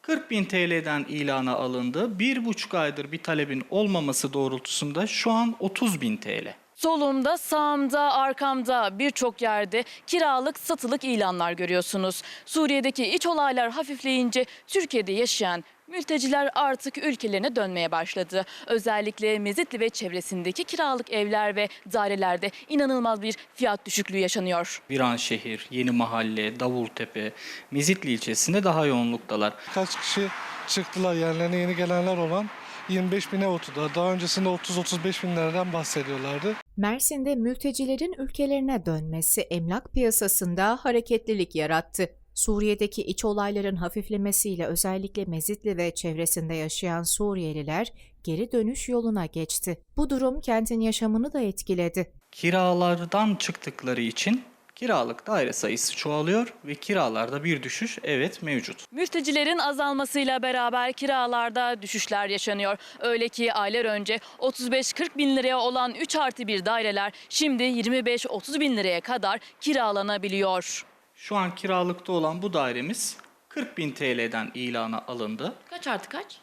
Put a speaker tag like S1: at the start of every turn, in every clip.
S1: 40.000 TL'den ilana alındı. 1,5 aydır bir talebin olmaması doğrultusunda şu an 30.000 TL.
S2: Solumda, sağımda, arkamda birçok yerde kiralık, satılık ilanlar görüyorsunuz. Suriye'deki iç olaylar hafifleyince Türkiye'de yaşayan mülteciler artık ülkelerine dönmeye başladı. Özellikle Mezitli ve çevresindeki kiralık evler ve dairelerde inanılmaz bir fiyat düşüklüğü yaşanıyor.
S1: Viranşehir, Yeni Mahalle, Davultepe, Mezitli ilçesinde daha yoğunluktalar.
S3: Kaç kişi çıktılar, yerlerine yeni gelenler olan 25 bine oturdu. Daha öncesinde 30-35 binlerden bahsediyorlardı.
S4: Mersin'de mültecilerin ülkelerine dönmesi emlak piyasasında hareketlilik yarattı. Suriye'deki iç olayların hafiflemesiyle özellikle Mezitli ve çevresinde yaşayan Suriyeliler geri dönüş yoluna geçti. Bu durum kentin yaşamını da etkiledi.
S1: Kiralardan çıktıkları için kiralık daire sayısı çoğalıyor ve kiralarda bir düşüş mevcut.
S2: Mültecilerin azalmasıyla beraber kiralarda düşüşler yaşanıyor. Öyle ki aylar önce 35-40 bin liraya olan 3+1 daireler şimdi 25-30 bin liraya kadar kiralanabiliyor.
S1: Şu an kiralıkta olan bu dairemiz 40.000 TL'den ilana alındı.
S2: Kaç artı kaç?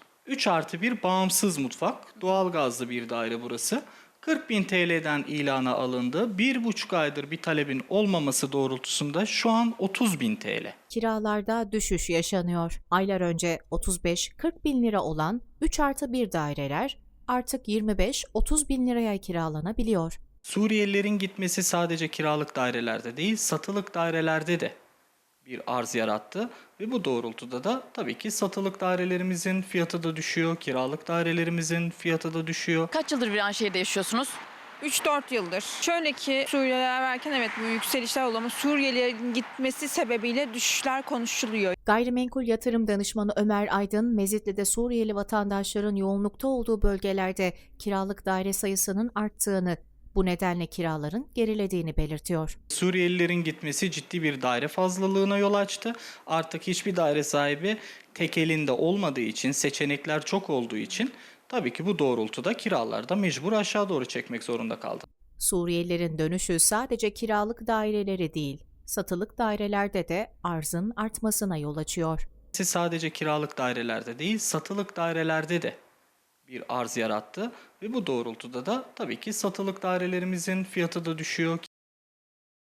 S1: 3+1 bağımsız mutfak, doğalgazlı bir daire burası. 40.000 TL'den ilana alındı. 1,5 aydır bir talebin olmaması doğrultusunda şu an 30.000 TL.
S4: Kiralarda düşüş yaşanıyor. Aylar önce 35-40 bin lira olan 3+1 daireler artık 25-30 bin liraya kiralanabiliyor.
S1: Suriyelilerin gitmesi sadece kiralık dairelerde değil, satılık dairelerde de bir arz yarattı ve bu doğrultuda da tabii ki satılık dairelerimizin fiyatı da düşüyor, kiralık dairelerimizin fiyatı da düşüyor.
S2: Kaç yıldır Viranşehir'de yaşıyorsunuz?
S5: 3-4 yıldır. Şöyle ki Suriyeliler varken evet bu yükselişler oldu ama Suriyelilerin gitmesi sebebiyle düşüşler konuşuluyor.
S4: Gayrimenkul yatırım danışmanı Ömer Aydın, Mezitli'de Suriyeli vatandaşların yoğunlukta olduğu bölgelerde kiralık daire sayısının arttığını, bu nedenle kiraların gerilediğini belirtiyor.
S1: Suriyelilerin gitmesi ciddi bir daire fazlalığına yol açtı. Artık hiçbir daire sahibi tek elinde olmadığı için, seçenekler çok olduğu için tabii ki bu doğrultuda kiralarda mecbur aşağı doğru çekmek zorunda kaldı.
S4: Suriyelilerin dönüşü sadece kiralık daireleri değil, satılık dairelerde de arzın artmasına yol açıyor.
S1: Sadece kiralık dairelerde değil, satılık dairelerde de bir arz yarattı ve bu doğrultuda da tabii ki satılık dairelerimizin fiyatı da düşüyor,